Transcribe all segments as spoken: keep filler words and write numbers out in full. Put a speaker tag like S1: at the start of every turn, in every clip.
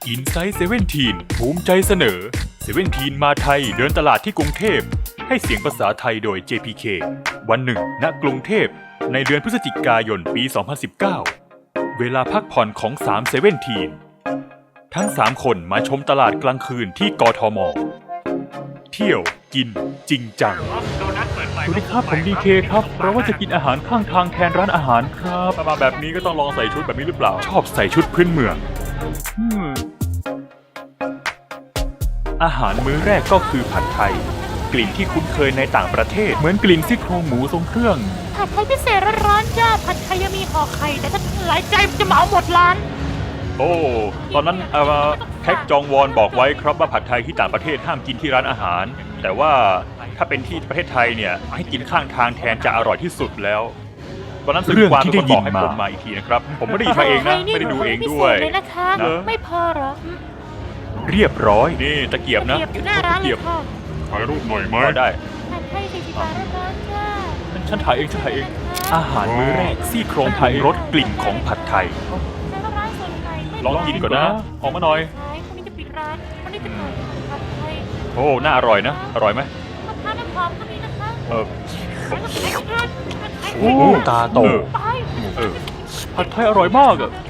S1: อินไซต์เซเว่นทีนภูมิใจเสนอเซเว่นทีนมาไทยเดินตลาดที่กรุงเทพให้เสียงภาษาไทยโดย เจ พี เค วันหนึ่งณกรุงเทพในเดือนพฤศจิกายนปี สองพันสิบเก้า เวลาพักผ่อนของสามเซเว่นทีนทั้งสามคนมาชมตลาดกลางคืนที่กทม.เที่ยวกินจริงจังสวัสดีครับผมดีเคครับเราว่าจะกินอาหารข้างทางแทนร้านอาหารครับมาแบบนี้ก็ต้องลองใส่ชุดแบบนี้หรือเปล่าชอบใส่ชุดพื้นเมืองอาหารมื้อแรกก็คือผัดไทยกลิ่นที่คุ้นเคยในต่างประเทศเหมือนกลิ่นซี่โครงหมูทรงเครื่อง
S2: ผัดไทยพิเศษร้อนๆจ้าผัดไทยยังมีห่อไข่แต่ถ้าหลายใจจะเหมาหมดร้าน
S1: โอ้ตอนนั้นเอ่อแพ็กจองวอนบอกไว้ครับว่าผัดไทยที่ต่างประเทศห้ามกินที่ร้านอาหารแต่ว่าถ้าเป็นที่ประเทศไทยเนี่ยให้กินข้างทางแทนจะอร่อยที่สุดแล้วตอนนั้นสื่อความเป็นคนบอกให้ผมมาอีกทีนะครับผมไม่ได้ยินมาเองนะไม่ได้ดูเองด้วย
S2: นะไม่พอหรอ
S1: เรียบร้อยนี่ตะเกียบนะ
S2: อยู่หน้าร้านเลยค่ะ
S3: ถ่ายรูปหน่อยไหม
S1: ได้
S2: ผัดไทยสี่สิบบาทร้อนๆจ้า
S1: ฉันถ่ายเองฉันถ่ายเองอาหารมื้อแรกซี่โครงไทยรสกลิ่นของผัดไทยลองกินก่อนนะออกมาหน่อย
S2: คนนี้จะปิดร้านคนนี้จะขายผัดไทย
S1: โอ้น่าอร่อยนะอร่อยไหม
S2: มะพร้าวน้ำหอมก็มีนะคะ
S1: เออ
S2: โอ้
S1: ตาโตเออผัดไทยอร่อยมากอ่ะ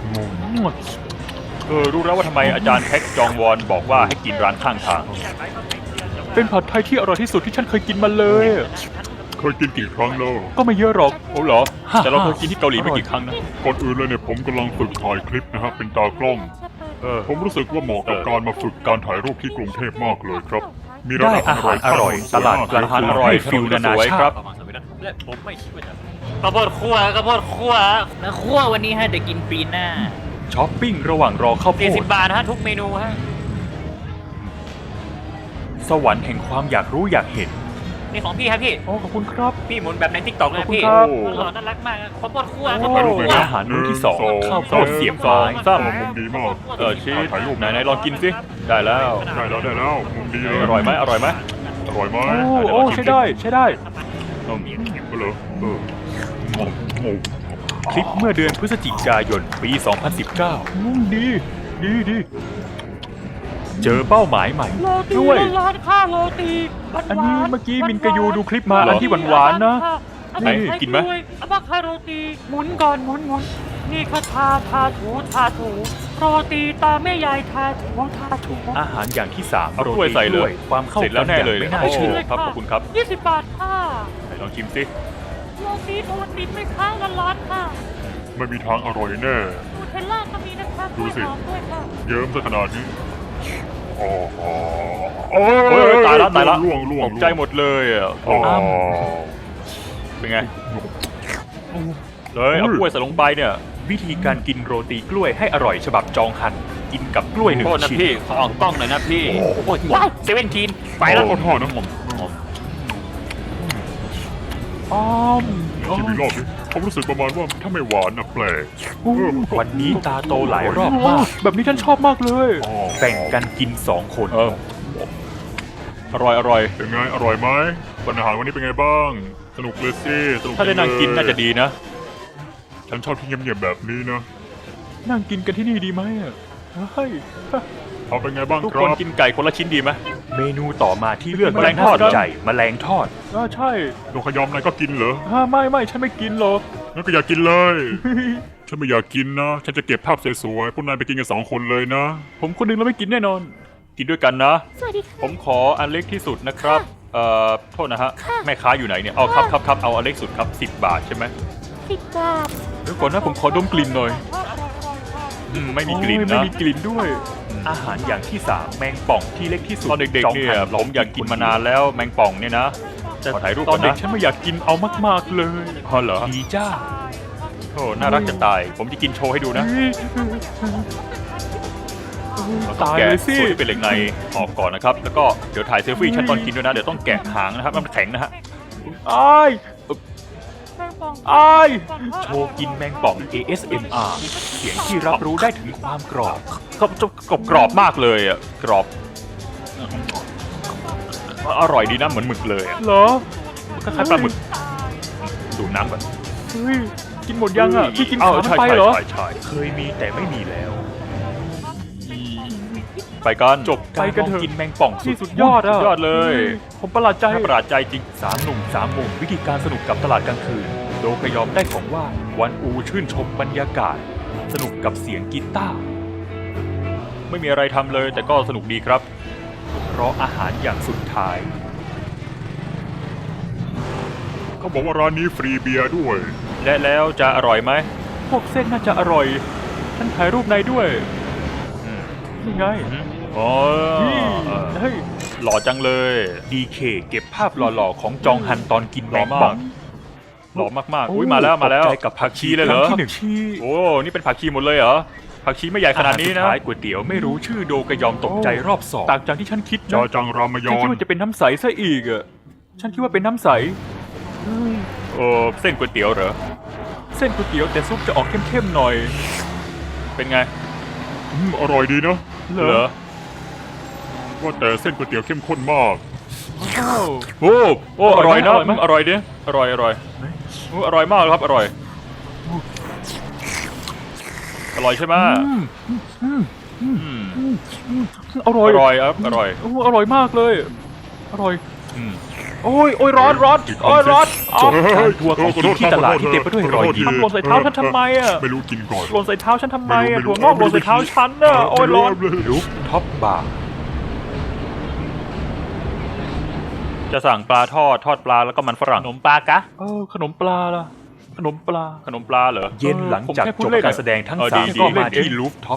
S1: เออรู้แล้วว่าทำไมอาจารย์แพ็กจองวอนบอกว่าให้กินร้านข้างทางเป็นผัดไทยที่อร่อยที่สุดที่ฉันเคยกินมาเลย
S3: เคยกินกี่ครั้งแล้ว
S1: ก็ไม่เยอะหรอกโอ้เหรอแต่เราเคยกินที่เกาหลีไม่กี่ครั้งนะ
S3: ก่อนอื่นเลยเนี่ยผมกำลังฝึกถ่ายคลิปนะฮะเป็นตากล้องเออผมรู้สึกว่าเหมาะกับการมาฝึกการถ่ายรูปที่กรุงเทพมากเลยครับ
S1: มีร้านอาหารอร่อยตลาดกลางคืนอร่อยฟิลนานาชาติ
S4: และผมไม่คิดว่าจะกระโพดคั่วกระโพดคั่วนะคั่ววันนี้ฮะเดี๋ยวกินปีหน้า
S1: ช้อปปิ้งระหว่างรอข้าวโพด
S4: สี่สิบบาทฮะทุกเมนูฮะ
S1: สวรรค์แห่งความอยากรู้อยากเห็น
S4: นี่ของพี่ครับพี่
S1: โอ้ขอบคุณครับ
S4: พี่หมุนแบบในทิกตอกเลยพี่หล่อน่ารักมากข้าวโพดคั่วข้าวโพดคั่ว
S1: อาหารมื้อที่สองข้าวโพดเสียบไม้
S3: ซ้ำมุมดีมาก
S1: เออชีสไหนไหนลองกินสิได้แล้ว
S3: ได้แล้วได้แล้วมุมดีเลย
S1: อร่อยไหมอร่อยไหม
S3: อร่อยไหม
S1: โอ้ใช่ได้ใช่ได้
S3: อืมก็เลยเออ
S1: คลิปเมื่อเดือนพฤศจิกายนปี สองพันสิบเก้าดีดีดีเจอเป้าหมายใหม่
S2: ด้วยร้านข้าวโรตี
S1: อันนี้เมื่อกี้มินกยูดูคลิปมาอันที่หวานๆนะไอ้กินไหม
S2: อาบาคาโรตีหมุนก่อนหมุนหมุนนี่ค่ะทาทาถูทาถูโรตีตาแม่ยายทาถูทาถู
S1: อาหารอย่างที่สามโรตีใส่เลยความเข้ากันแล้วแน่เลยไม่น่าเชื่อครับขอบคุณครับ
S2: ยี่สิบบาทค่ะ
S1: ลองชิมสิ
S2: โรตีโทนติดไม่ค้างร้อนๆค่ะ
S3: ไม่มีทางอร่อยแน่
S2: นูเทลล่าก็มีนะคะ
S3: ดูสิเยิ้มซะขนาดนี้โอ้โห
S1: ตายแล้วตายแล้ว
S3: ล่วงล่วง
S1: ใจหมดเลยอ่ะเป็นไงเลยเอากล้วยใส่ลงไปเนี่ยวิธีการกินโรตีกล้วยให้อร่อยฉบับจองหันกินกับกล้วยหนึ่งชิ้น
S4: พี่ขอออกกล้องหน่อยนะพี่โอ้ยหมดเซเว่นทีนไปแล้ว
S3: ทอดน้ำหอม
S1: อ้อม
S3: ชิมอีกรอบดิผมรู้สึกประมาณว่าถ้าไม่หวานนะแปลก
S1: วันนี้ตาโตหลายรอบมากแบบนี้ฉันชอบมากเลยแบ่งกันกินสองคนเอออร่อยอร่อย
S3: เป็นไงอร่อยไหมวันอาหารวันนี้เป็นไงบ้างสนุกเลยสิสนุก
S1: ถ้าได้นั่งกินน่าจะดีนะ
S3: ฉันชอบที่เงียบๆแบบนี้นะ
S1: นั่งกินกันที่นี่ดีไหมอ่ะเฮ้ย
S3: เอาเป็นไงบ้างครับ
S1: ทุกคนกินไก่คนละชิ้นดีไหมเมนูต่อมาที่เลือกแมลงทอดใจแมลงทอด
S3: อ่าใช่นกขยอมนายก็กินเหรอ
S1: ฮะไม่ไม่ฉันไม่กินหรอก
S3: งั้นก็อยากกินเลยฉันไม่อยากกินนะฉันจะเก็บภาพสวยๆพวกนายไปกินกันสองคนเลยนะ
S1: ผมคนนึงแล้วไม่กินแน่นอนกินด้วยกันนะ
S2: สวัสดีค่ะ
S1: ผมขออันเล็กที่สุดนะครับเอ่อโทษนะฮะแม่ค้าอยู่ไหนเนี่ยเอาครับครับครับเอาอันเล็กสุดครับสิบบาทใช่ไหม
S2: สิบบาท
S1: เดี๋ยวก่อนนะผมขอดมกลิ่นหน่อยไม่มีกลิ่นนะไม่มีกลิ่นด้วยอาหารอย่างที่สามแมงป่องที่เล็กที่สุดตอนเด็กๆเนี่ยผมอยากกินมานานแล้วแมงป่องเนี่ยนะแต่ถ่ายรูปตอนเด็กฉันไม่อยากกินเอามากๆเลยพอเหรอดีจ้าโอ้น่ารักจะตายผมจะกินโชว์ให้ดูนะตายเลยสิเป็นเหล็กในออกก่อนนะครับแล้วก็เดี๋ยวถ่ายเซลฟี่ฉันตอนกินด้วยนะเดี๋ยวต้องแกะหางนะครับมันแข็งนะฮะอ้ายอ้ายโชว์กินแมงป่อง เอ เอส เอ็ม อาร์ เสียงที่รับรู้ได้ถึงความกรอบก็จะกรอบกรอบมากเลยอ่ะกรอบอร่อยดีนะเหมือนหมึกเลยเหรอคล้ายๆปลาหมึกดูน้ำก่อนเฮ้ยกินหมดยังอ่ะพี่กินขาไปเหรอใช่ใช่เคยมีแต่ไม่มีแล้วไปกัน
S2: จบ
S1: ไปกันเถอะกินแมงป่อง
S2: ที่สุดยอดอะ
S1: สุดยอดเลย
S2: ผมประหลาดใจ
S1: น่าประหลาดใจจริงสามหนุ่มสามมุมวิธีการสนุกกับตลาดกลางคืนโดกยอมได้ของว่างวันอูชื่นชมบรรยากาศ สนุกกับเสียงกีตาร์ไม่มีอะไรทำเลยแต่ก็สนุกดีครับรออาหารอย่างสุดท้าย
S3: เขาบอกว่าร้านนี้ฟรีเบียร์ด้วย
S1: และแล้วจะอร่อยไหมพวกเส้นน่าจะอร่อยฉันถ่ายรูปในด้วยนี่ไงอ๋อเฮ้ยหล่อจังเลย ดี เค เก็บภาพหล่อๆของจองฮันตอนกินแมงป่องหล่อมากๆอุ้ยมาแล้วมาแล้วกับผักชีเลยเหรอโอ้นี่เป็นผักชีหมดเลยเหรอผักชีไม่ใหญ่ขนาดนี้นะก๋วยเตี๋ยวไม่รู้ชื่อโดกยอมตกใจรอบสองต่างจากที่ฉันคิด
S3: จอ
S1: นะ
S3: จังรามย
S1: ฉัน
S3: อ
S1: คิด
S3: น
S1: ว่าจะเป็นน้ำใสซะอีกอ่ะฉันคิดว่าเป็นน้ำใสเออเส้นก๋วยเตี๋ยวเหรอเส้นก๋วยเตี๋ยวแต่ซุปจะออกเข้มๆหน่อย เป็นไง
S3: อืมอร่อยดีนะ
S1: เหรอ
S3: ว่าแต่เส้นก๋วยเตี๋ยวเข้มข้นมาก
S1: โอ้โอ้อร่อยนะอืมอร่อยดิอร่อยอร่อยโอ้อร่อยมากครับอร่อยอร่อยใช่ไหมอืม
S2: อร่
S1: อ
S2: อย
S1: ร่อยครับอร่อย
S2: โอ้อร่อยมากเลย อร่อย
S1: อืม
S2: โอ้ยโอ้ยร้อนร้อนโอ้ยร้อนอ๋อ
S1: การทัวร์ของกินที่ตลาดที่เต็มไปด้วยรอยยิ้ม
S2: ทำหล่นใส่เท้าฉันทำไมอ่ะ
S3: ไม่รู้กินก่อน
S2: หล่นใส่เท้าฉันทำไมอ่ะ
S3: ไม่รู้
S2: ถั่วงอกหล่นใส่เท้าฉันอ่ะโอ้ยร้อน
S1: รูปท็อปบาร์จะสั่งปลาทอดทอดปลาแล้วก็มันฝรั่งขนมปลากะ
S2: เออขนมปลาล่ะขนมปลา
S1: ขนมปลาเหรอเย็นหลังจาก
S2: ผมแค่พู
S1: จ
S2: ด
S1: บ
S2: เล่น
S1: การแสดงทั้ง
S2: เออ
S1: สาม
S2: ดี
S1: ก็
S2: ดี
S1: มา
S2: เล่น
S1: ที่รูฟท็อป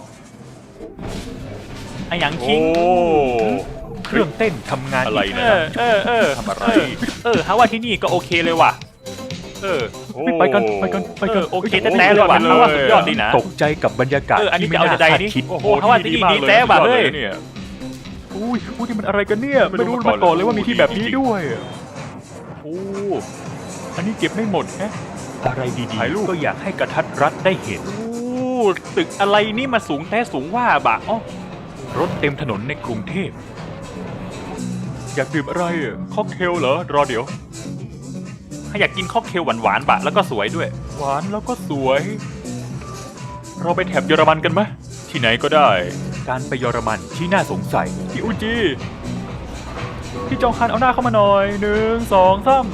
S2: ไอ้หยัง
S1: โอ้
S2: คิง
S1: เครื่องเต้นทำงาน
S2: อะไร
S1: ก
S2: เนะเออเออ
S1: ทำอะไร
S2: เออเออฮะว่าที่นี่ก็โอเคเลยว่ะ
S1: เออโอ้
S2: ไปกันไปกันไปกัน
S1: เออโอเค
S2: โอ้
S1: แต่
S2: โห
S1: เลยว่ะ
S2: สุดยอด
S1: ว่าสุดยอด
S2: เลย
S1: ดีนะ
S2: อะ
S1: ตกใจกับบรรยากาศ
S2: เอออันนี้
S1: ที่
S2: จะเอา
S1: ไม่
S2: แต่ใจ
S1: น่า
S2: นี่
S1: คาดคิด
S2: โอ้โหฮะว่าที่นี่ดีแท้ว่ะเฮ้ย
S1: เนี่ย
S2: อุ้ยอุ้ยนี่มันอะไรกันเนี่ย
S1: ไม่
S2: ไม่
S1: รู้
S2: รู้
S1: มา
S2: มา
S1: ก่
S2: ก่
S1: อ
S2: อน น
S1: เล
S2: เลย ย
S1: ว่า
S2: ว่า
S1: มี
S2: มี
S1: ที่
S2: ที่
S1: แบ
S2: แบบ บ
S1: นี้
S2: นี้
S1: ด้
S2: ด้
S1: ว
S2: วย ย
S1: โอ้อันนี้เก็บไม่หมดแฮะอะไรดีๆก็อยากให้กระทัดรัดได้เห็น
S2: โอ้ตึกอะไรนี่มาสูงแท้สูงว่าบะอ๋อ
S1: รถเต็มถนนในกรุงเทพอยากดื่มอะไรอ่ะค็อกเทลเหรอรอเดี๋ยว
S2: ถ้าอยากกินค็อกเทลหวานๆบะแล้วก็สวยด้วย
S1: หวานแล้วก็สวย เราไปแถบเยอรมันกันไหมที่ไหนก็ได้ การไปเยอรมันที่น่าสงสัยที่อุจิพี่จองคันเอาหน้าเข้ามาหน่อยหนึ่งสองสาม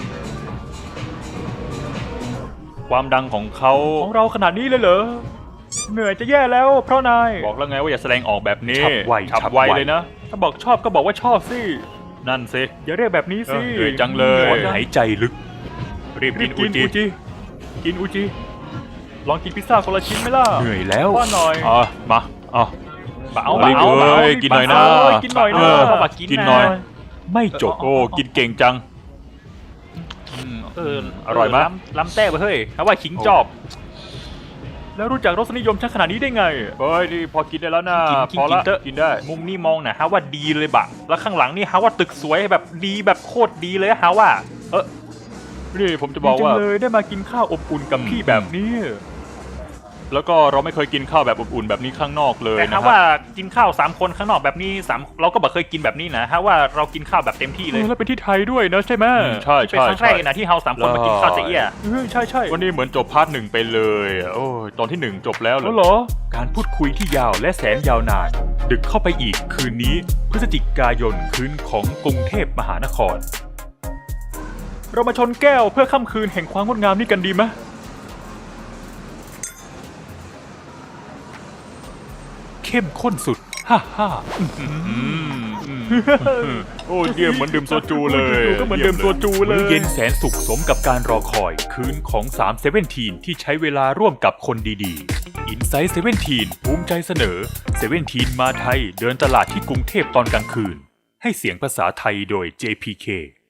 S1: ความดังของเขา
S2: ของเราขนาดนี้เลยเหรอเหนื่อยจะแย่แล้วเพราะนาย
S1: บอกแล้วไงว่าอย่าแสดงออกแบบนี้
S2: ฉับไว
S1: ฉับ
S2: ฉับ
S1: ไว
S2: ไว
S1: เลยนะ
S2: ถ้าบอกชอบก็บอกว่าชอบสิ
S1: นั่นสิ
S2: อย่าเรียกแบบนี้
S1: เอ
S2: สิ
S1: อเหนื่อยจังเลย หายใจลึก รีบ
S2: รี
S1: กิ
S2: บ
S1: น
S2: กิ
S1: อุ
S2: น
S1: จิ
S2: อุจิกินอุจิลองกินพิซซ่าคนละชิ้นไหมล่ะ
S1: เหนื่อยแล้ว
S2: ว่าหน่อย
S1: อ่ะมาเอ่ะ
S2: บะเอา
S1: เอา
S2: บะเอา
S1: เลย
S2: บะเอา
S1: กินหน่อยนะ
S2: บะเอากินหน่อยนะ
S1: เออ
S2: เอาบะกิน
S1: กินหน่อย
S2: ะ
S1: ไม่จบ
S2: เออ
S1: โอ้กินเก่งจัง
S2: เออ
S1: อร่อยไหม
S2: ล้ำล้ำแต้ไปเฮ้ยถ้าว่าขิงจอบ แล้วรู้จักรสนิยมฉันขนาดนี้ได้ไง
S1: เฮ้ยนี่พอกินได้แล้วนะ
S2: กิน
S1: พอ
S2: กิน
S1: ละ
S2: เถอะ
S1: กินได้
S2: มุมนี้มองนะฮะว่าดีเลยบะ แล้วข้างหลังนี่ฮะว่าตึกสวยแบบดีแบบโคตรดีเลยฮะว่า เออ
S1: นี่ผมจะบอกว่า
S2: ดีจังเลยได้มากินข้าวอบอุ่นกับพี่แบบนี้
S1: แล้วก็เราไม่เคยกินข้าวแบบอบอุ่นแบบนี้ข้างนอกเลย
S2: แต่
S1: นะ
S2: ฮะ
S1: ค
S2: ว่า
S1: รับ
S2: กินข้าวสามคนข้างนอกแบบนี้สามเราก็บอกเคยกินแบบนี้นะฮะว่าเรากินข้าวแบบเต็มที่เลย
S1: แล้วเป็นที่ไทยด้วยนะใช่ไหมใช่
S2: เป็น
S1: ใช่
S2: ครั้งแรกเลยนะที่เราสามคนมากินข้าวเจี๊ย
S1: เออใช่ใช่วันนี้เหมือนจบพาร์ทหนึ่งไปเลยอ่ะโอ้ยตอนที่หนึ่งจบแล้ว
S2: แล้วเหรอ
S1: การพูดคุยที่ยาวและแสนยาวนาน ดึกเข้าไปอีกคืนนี้พฤศจิกายนคืนของกรุงเทพมหานคร
S2: เรามาชนแก้วเพื่อค่ำคืนแห่งความงดงามนี่กันดีไหม
S1: เข้มข้นสุด ฮ่าฮ่าโอ้ยเยี่ยมเหมือนดื่มโซจูเลย
S2: ก็เหมือนดื่มโซจูเลย
S1: มื้อเย็นแสนสุขสมกับการรอคอย คืนของสามเซเว่นทีนที่ใช้เวลาร่วมกับคนดีๆ อินไซต์เซเว่นทีนภูมิใจเสนอเซเว่นทีนมาไทยเดินตลาดที่กรุงเทพตอนกลางคืน ให้เสียงภาษาไทยโดย เจ พี เค